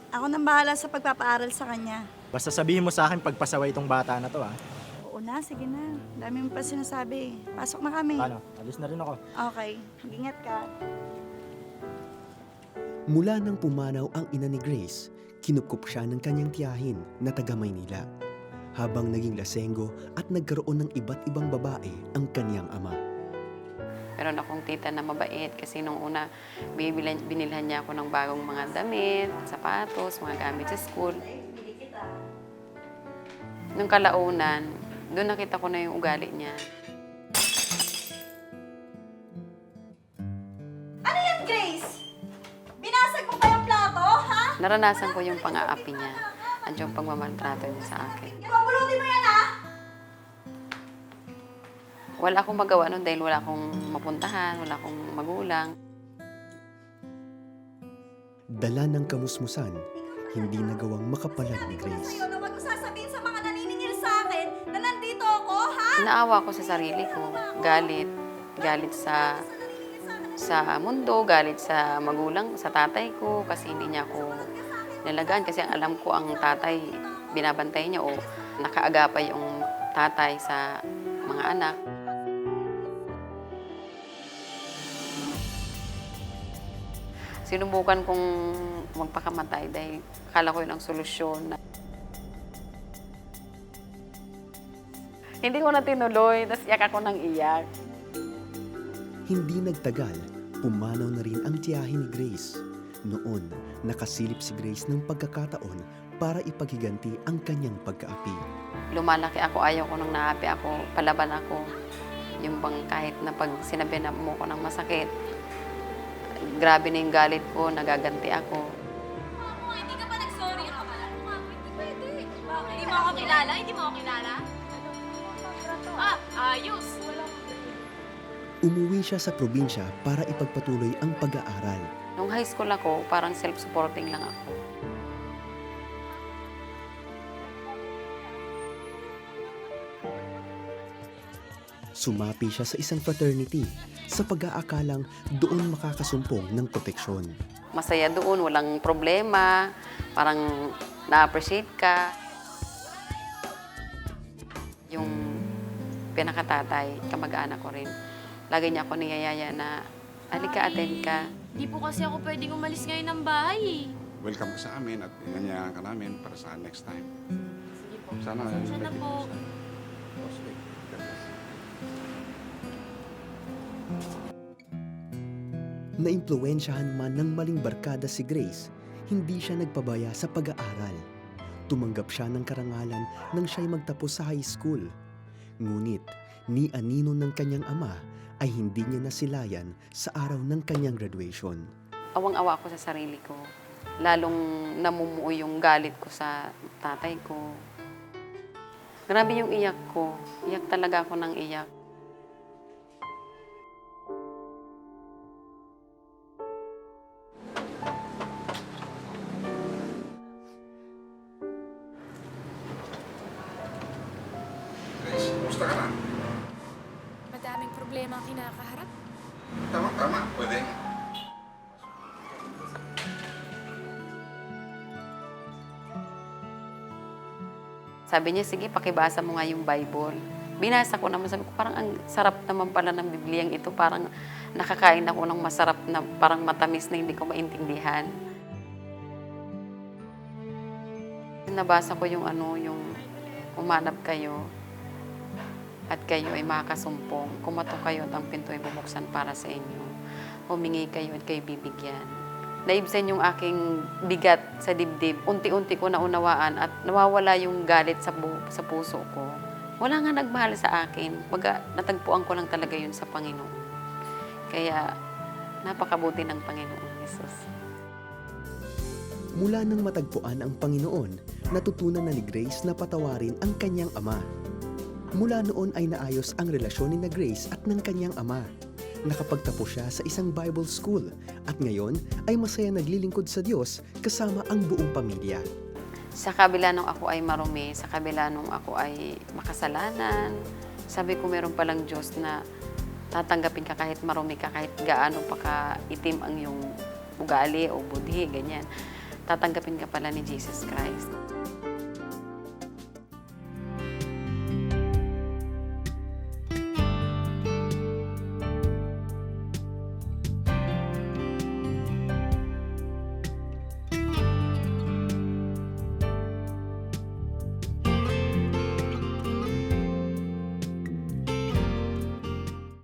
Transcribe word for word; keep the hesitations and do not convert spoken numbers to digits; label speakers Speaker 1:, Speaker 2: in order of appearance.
Speaker 1: Ako nang bahala sa pagpapaaral sa kanya.
Speaker 2: Basta sabihin mo sa akin pagpasaway itong bata na to, ha?
Speaker 1: Oo na, sige na. Dami mo pa sinasabi. Pasok na kami.
Speaker 2: Paano? Alis na rin ako.
Speaker 1: Okay, mag-ingat ka.
Speaker 3: Mula nang pumanaw ang ina ni Grace, kinupkup siya ng kanyang tiyahin na taga Maynila. Habang naging lasenggo at nagkaroon ng iba't ibang babae ang kanyang ama.
Speaker 4: Meron akong tita na mabait kasi nung una binibilan, binilhan niya ako ng bagong mga damit, sapatos, mga gamit sa school. Nung kalaunan, doon nakita ko na yung ugali niya.
Speaker 1: Ano yan, Grace? Binasag mo pa yung plato, ha?
Speaker 4: Naranasan ko yung pang-aapi niya at yung pagmamaltrato niya sa akin.
Speaker 1: Pabulutin mo yan, ha?
Speaker 4: Wala akong magawa nun dahil wala akong mapuntahan, wala akong magulang.
Speaker 3: Dala ng kamusmusan, hindi nagawang makapalag ni Grace.
Speaker 1: Sa'yo na wag mo sasabihin sa mga naniningil sa akin na nandito ako, ha?
Speaker 4: Naawa ko sa sarili ko, galit, galit sa sa mundo, galit sa magulang, sa tatay ko kasi hindi niya ako nalagaan kasi alam ko ang tatay binabantay niya o nakaagapay yung tatay sa mga anak. Sinubukan kong magpakamatay dahil akala ko yun ang solusyon. Hindi ko na tinuloy, tapos iyak ako ng iyak.
Speaker 3: Hindi nagtagal, pumanaw na rin ang tiyahin ni Grace. Noon, nakasilip si Grace ng pagkakataon para ipaghiganti ang kanyang pagkaapi.
Speaker 4: Lumalaki ako, ayaw ko nang naapi ako, palaban ako. Yung bang kahit na pag sinabi na mo ko ng masakit, grabe na yung galit ko, nagaganti ako.
Speaker 5: Mama, hindi ka pa nag-sorry ka pala. Mama, hindi pwede. Bakit? Hindi mo ako kilala? Hindi mo ako kilala? Ah, ayos.
Speaker 3: Umuwi siya sa probinsya para ipagpatuloy ang pag-aaral.
Speaker 4: Nung high school ako, parang self-supporting lang ako.
Speaker 3: Sumapi siya sa isang fraternity sa pag-aakalang doon makakasumpong ng proteksyon.
Speaker 4: Masaya doon, walang problema, parang na-appreciate ka. Yung pinakatatay, kamag-anak ko rin, lagi niya ako niyayaya na, halika, attend ka.
Speaker 5: Hindi po kasi ako pwedeng umalis ngayon ng bahay eh.
Speaker 6: Welcome ka sa amin at inanyayahan ka namin para sa next time.
Speaker 5: Sige po.
Speaker 6: Sana
Speaker 5: Pasensya na po.
Speaker 6: Oh, sige. God bless.
Speaker 3: Naimpluwensyahan man ng maling barkada si Grace, hindi siya nagpabaya sa pag-aaral. Tumanggap siya ng karangalan nang siya'y magtapos sa high school. Ngunit, ni anino ng kanyang ama ay hindi niya nasilayan sa araw ng kanyang graduation.
Speaker 4: Awang-awa ako sa sarili ko. Lalong namumuo yung galit ko sa tatay ko. Grabe yung iyak ko. Iyak talaga ako ng iyak.
Speaker 6: Grace, kumusta ka na?
Speaker 5: Madaming problema ang kinakaharap.
Speaker 6: Tama, tama. Pwede.
Speaker 4: Sabi niya, sige, pakibasa mo nga yung Bible. Binasa ko naman, sabi ko, parang ang sarap naman pala ng Bibliyang ito. Parang nakakain ako ng masarap na parang matamis na hindi ko maintindihan. Nabasa ko yung ano, yung umanap kayo at kayo ay makakasumpong. Kumatok kayo at ang pinto ay bubuksan para sa inyo. Humingi kayo at kayo bibigyan. Naibsan yung aking bigat sa dibdib. Unti-unti ko naunawaan at nawawala yung galit sa, bu- sa puso ko. Wala nga nagmahal sa akin. Baga, natagpuan ko lang talaga yun sa Panginoon. Kaya, napakabuti ng Panginoon Jesus.
Speaker 3: Mula nang matagpuan ang Panginoon, natutunan na ni Grace na patawarin ang kanyang ama. Mula noon ay naayos ang relasyon ni na Grace at ng kanyang ama. Nakapagtapos siya sa isang Bible school at ngayon ay masaya naglilingkod sa Diyos kasama ang buong pamilya.
Speaker 4: Sa kabila nung ako ay marumi, sa kabila nung ako ay makasalanan, sabi ko meron palang Diyos na tatanggapin ka kahit marumi ka, kahit gaano pa ka itim ang iyong ugali o budhi, ganyan. tatanggapin ka pala ni Jesus Christ.